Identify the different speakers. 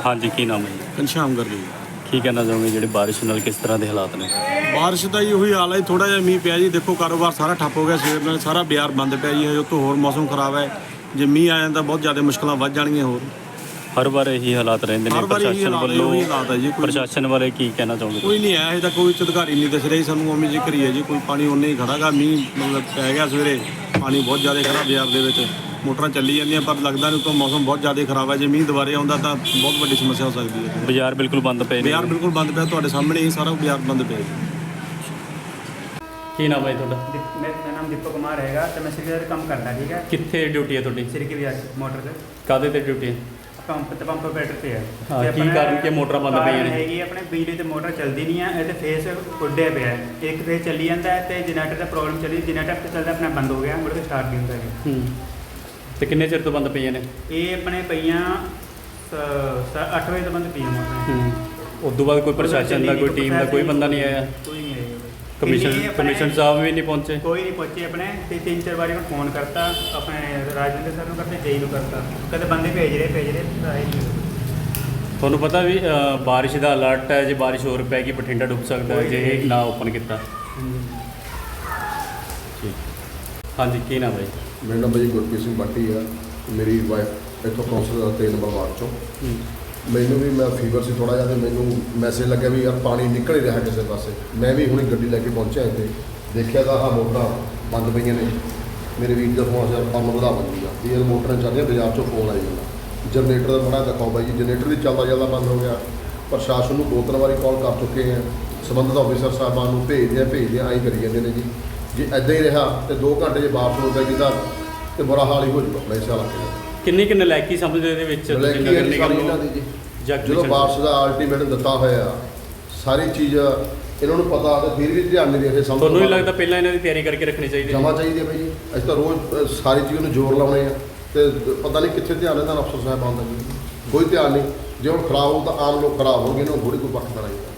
Speaker 1: ਹਾਂਜੀ, ਕੀ ਨਾਮ ਹੈ ਜੀ?
Speaker 2: ਘਨਸ਼ਾਮ ਕਰ ਲਈ।
Speaker 1: ਕੀ ਕਹਿਣਾ ਚਾਹੋਗੇ ਜਿਹੜੇ ਬਾਰਿਸ਼ ਨਾਲ ਕਿਸ ਤਰ੍ਹਾਂ ਦੇ ਹਾਲਾਤ ਨੇ?
Speaker 2: ਬਾਰਿਸ਼ ਦਾ ਹੀ ਉਹੀ ਹਾਲ ਹੈ, ਥੋੜਾ ਜਿਹਾ ਮੀਂਹ ਪਿਆ ਜੀ। ਦੇਖੋ ਕਾਰੋਬਾਰ ਸਾਰਾ ਠੱਪ ਹੋ ਗਿਆ ਸਵੇਰ ਨਾਲ, ਸਾਰਾ ਬਾਜ਼ਾਰ ਬੰਦ ਪਿਆ ਜੀ। ਹਜੇ ਉੱਤੋਂ ਹੋਰ ਮੌਸਮ ਖਰਾਬ ਹੈ, ਜੇ ਮੀਂਹ ਆ ਜਾਂਦਾ ਬਹੁਤ ਜ਼ਿਆਦਾ ਮੁਸ਼ਕਲਾਂ ਵੱਧ ਜਾਣਗੀਆਂ ਹੋਰ।
Speaker 1: ਹਰ ਵਾਰ ਇਹੀ ਹਾਲਾਤ ਰਹਿੰਦੇ ਨੇ।
Speaker 2: ਹਰ ਵਾਰ ਇਹੀ ਹਾਲਾਤ ਹੈ, ਉਹੀ ਹਾਲਾਤ ਹੈ ਜੀ।
Speaker 1: ਪ੍ਰਸ਼ਾਸਨ ਬਾਰੇ ਕੀ ਕਹਿਣਾ ਚਾਹੋਗੇ?
Speaker 2: ਕੋਈ ਨਹੀਂ ਆਇਆ, ਹਜੇ ਤੱਕ ਕੋਈ ਅਧਿਕਾਰੀ ਨਹੀਂ ਦਿਸ ਰਿਹਾ ਸਾਨੂੰ। ਉਵੇਂ ਜ਼ਿਕਰ ਹੀ ਹੈ ਜੀ, ਕੋਈ ਪਾਣੀ ਉਨੇ ਹੀ ਖੜਾ ਗਾ। ਮੀਂਹ ਮਤਲਬ ਪੈ ਗਿਆ ਸਵੇਰੇ, ਪਾਣੀ ਬਹੁਤ ਜ਼ਿਆਦਾ ਖੜਾ ਬਾਜ਼ਾਰ ਦੇ ਵਿੱਚ। ਮੋਟਰਾਂ ਚੱਲੀ ਜਾਂਦੀਆਂ ਪਰ ਲੱਗਦਾ ਨਹੀਂ ਉੱਤੋਂ ਮੌਸਮ ਬਹੁਤ ਜ਼ਿਆਦਾ ਖਰਾਬ ਹੈ। ਜੇ ਮੀਂਹ ਦੁਬਾਰੇ ਆਉਂਦਾ ਤਾਂ ਬਹੁਤ ਵੱਡੀ ਸਮੱਸਿਆ ਹੋ ਸਕਦੀ ਹੈ।
Speaker 1: ਬਾਜ਼ਾਰ ਬਿਲਕੁਲ ਬੰਦ ਪਏ ਨੇ।
Speaker 2: ਬਾਜ਼ਾਰ ਬਿਲਕੁਲ ਬੰਦ ਪਿਆ, ਤੁਹਾਡੇ ਸਾਹਮਣੇ ਹੀ ਸਾਰਾ ਬਾਜ਼ਾਰ ਬੰਦ ਪਿਆ ਜੀ।
Speaker 1: ਕੀ ਨਾਮ ਹੈ ਤੁਹਾਡਾ?
Speaker 3: ਮੇਰਾ ਨਾਮ ਦੀਪਕ ਕੁਮਾਰ ਹੈਗਾ ਤੇ ਮੈਂ ਸਿਰਕੇ ਦਾ ਕੰਮ ਕਰਦਾ। ਠੀਕ ਹੈ,
Speaker 1: ਕਿੱਥੇ ਡਿਊਟੀ ਹੈ ਤੁਹਾਡੀ?
Speaker 3: ਸਿਰਕੇ ਬਾਜ਼ਾਰ ਮੋਟਰ ਤੇ।
Speaker 1: ਕਾਹਦੇ ਤੇ ਡਿਊਟੀ ਹੈ?
Speaker 3: ਪੰਪ ਆਪਰੇਟਰ ਤੇ ਹੈ।
Speaker 1: ਹਾਂ,
Speaker 3: ਤੇ
Speaker 1: ਕੀ
Speaker 3: ਆਪਣਾ
Speaker 1: ਕਾਰਨ ਕਿ ਮੋਟਰਾਂ ਬੰਦ ਪਈਆਂ ਨੇ?
Speaker 3: ਹੈਗੀ ਆਪਣੇ ਬਿਜਲੀ ਤੇ ਮੋਟਰ ਚੱਲਦੀ ਨਹੀਂ ਹੈ, ਇਹ ਤੇ ਫੇਸ ਉੱਡਿਆ ਪਿਆ ਹੈ। ਇੱਕ ਫੇਸ ਚੱਲੀ ਜਾਂਦਾ ਹੈ ਤੇ ਜਨਰੇਟਰ ਦਾ ਪ੍ਰੋਬਲਮ ਚੱਲੀ, ਜਨਰੇਟਰ ਤੇ ਚੱਲਦਾ ਆਪਣਾ ਬੰਦ ਹੋ ਗਿਆ, ਮੁੜ ਕੇ ਸਟਾਰਟ ਨਹੀਂ ਹੁੰਦਾ ਹੈ।
Speaker 1: ਤੇ ਕਿੰਨੇ ਚਿਰ ਤੋਂ ਬੰਦ ਪਈਆਂ ਨੇ?
Speaker 3: ਇਹ ਆਪਣੇ ਪਈਆਂ 8 ਵਜੇ ਤੋਂ ਬੰਦ ਪਈਆਂ ਮੋਟਰਾਂ।
Speaker 1: ਉਸ ਤੋਂ ਬਾਅਦ ਕੋਈ ਪ੍ਰਸ਼ਾਸਨ ਦਾ, ਕੋਈ ਟੀਮ ਦਾ ਕੋਈ ਬੰਦਾ ਨਹੀਂ ਆਇਆ?
Speaker 3: ਕੋਈ ਨਹੀਂ ਆਇਆ।
Speaker 1: ਕਮਿਸ਼ਨ ਸਾਹਿਬ ਵੀ ਨਹੀਂ ਪਹੁੰਚੇ?
Speaker 3: ਕੋਈ ਨਹੀਂ ਪਹੁੰਚੇ ਆਪਣੇ। ਤੇ 3-4 ਵਾਰੀ ਮੈਂ ਫੋਨ ਕਰਤਾ ਆਪਣੇ ਰਾਜਵਿੰਦਰ ਸਰ ਨੂੰ, ਕਰਤੇ ਜੇਈ ਨੂੰ ਕਰਤਾ, ਕਦੇ ਬੰਦੇ ਭੇਜ ਰਹੇ ਆਏ ਨਹੀਂ।
Speaker 1: ਤੁਹਾਨੂੰ ਪਤਾ ਵੀ ਬਾਰਿਸ਼ ਦਾ ਅਲਰਟ ਹੈ, ਜੇ ਬਾਰਿਸ਼ ਹੋਰ ਪੈ ਗਈ ਬਠਿੰਡਾ ਡੁੱਬ ਸਕਦਾ ਹੈ ਜੇ ਇਹ ਨਾ ਓਪਨ ਕੀਤਾ। ਠੀਕ। ਹਾਂਜੀ, ਕੀ ਨਾਮ ਹੈ ਜੀ?
Speaker 4: ਮੇਰਾ ਨਾਮ ਜੀ ਗੁਰਪ੍ਰੀਤ ਸਿੰਘ ਬਾਟੀ ਆ। ਮੇਰੀ ਵਾਈਫ ਇੱਥੋਂ ਕੌਂਸਲ ਦਾ 3 ਨੰਬਰ ਵਾਰਡ ਚੋਂ। ਮੈਨੂੰ ਵੀ ਮੈਂ ਫੀਵਰ ਸੀ ਥੋੜ੍ਹਾ ਜਿਹਾ, ਅਤੇ ਮੈਨੂੰ ਮੈਸੇਜ ਲੱਗਿਆ ਵੀ ਯਾਰ ਪਾਣੀ ਨਿਕਲ ਹੀ ਰਿਹਾ ਕਿਸੇ ਪਾਸੇ। ਮੈਂ ਵੀ ਹੁਣੇ ਗੱਡੀ ਲੈ ਕੇ ਪਹੁੰਚਿਆ ਇੱਥੇ, ਦੇਖਿਆ ਤਾਂ ਆਹ ਮੋਟਰਾਂ ਬੰਦ ਪਈਆਂ ਨੇ। ਮੇਰੇ ਵੀਰ ਦਾ ਫੋਨ ਸੀ ਕੰਮ ਵਧਾ ਬੰਦੀ ਆ ਵੀ ਇਹ ਮੋਟਰਾਂ ਚੱਲ ਰਹੀਆਂ, ਬਾਜ਼ਾਰ 'ਚੋਂ ਫੋਨ ਆਈ ਜਾਂਦਾ। ਜਨਰੇਟਰ ਦਾ ਬੜਾ ਦਿਖਾਓ ਬਾਈ ਜੀ, ਜਨਰੇਟਰ ਵੀ ਚੱਲਦਾ ਬੰਦ ਹੋ ਗਿਆ। ਪ੍ਰਸ਼ਾਸਨ ਨੂੰ 2-3 ਵਾਰੀ ਕਾਲ ਕਰ ਚੁੱਕੇ ਹਾਂ, ਸੰਬੰਧਿਤ ਆਫਿਸਰ ਸਾਹਿਬਾਨ ਨੂੰ ਭੇਜਦੇ ਆਈ ਕਰੀ ਜਾਂਦੇ ਨੇ ਜੀ। ਜੇ ਇੱਦਾਂ ਹੀ ਰਿਹਾ ਤੇ 2 ਘੰਟੇ ਜੇ ਵਾਪਸ ਹੋ ਜਾਏਗੀ ਤਾਂ ਤੇ ਬੁਰਾ ਹਾਲ ਹੀ ਹੋ ਜਾਊਗਾ ਆਪਣੇ ਇਸ ਹਾਲਾਤ ਦਾ।
Speaker 1: ਕਿੰਨੀ ਨਲਾਇਕੀ ਸਮਝਦੇ ਇਹਦੇ ਵਿੱਚ?
Speaker 4: ਇਹਨਾਂ ਦੀ ਜੀ ਜਦੋਂ ਵਾਪਸ ਦਾ ਅਲਟੀਮੇਟਮ ਦਿੱਤਾ ਹੋਇਆ, ਸਾਰੀ ਚੀਜ਼ ਇਹਨਾਂ ਨੂੰ ਪਤਾ ਤੇ ਫਿਰ ਵੀ ਧਿਆਨ ਨਹੀਂ ਦੇ ਰਹੇ।
Speaker 1: ਤੁਹਾਨੂੰ ਨਹੀਂ ਲੱਗਦਾ ਪਹਿਲਾਂ ਇਹਨਾਂ ਦੀ ਤਿਆਰੀ ਕਰਕੇ ਰੱਖਣੀ ਚਾਹੀਦੀ?
Speaker 4: ਜਮਾ ਚਾਹੀਦੀ ਹੈ ਬਾਈ ਜੀ। ਅਸੀਂ ਤਾਂ ਰੋਜ਼ ਸਾਰੀ ਚੀਜ਼ ਨੂੰ ਜ਼ੋਰ ਲਾਉਣੇ ਆ ਤੇ ਪਤਾ ਨਹੀਂ ਕਿੱਥੇ ਧਿਆਨ ਇਹਨਾਂ ਅਫਸਰ ਸਾਹਿਬਾਨ ਦਾ ਜੀ। ਕੋਈ ਧਿਆਨ ਨਹੀਂ। ਜੇ ਹੁਣ ਖਰਾਬ ਹੋ ਤਾਂ ਆਮ ਲੋਕ ਖਰਾਬ ਹੋਣਗੇ, ਇਹਨਾਂ ਨੂੰ ਥੋੜ੍ਹੀ ਕੋਈ ਪੱਖ ਤਾਂ ਨਹੀਂ।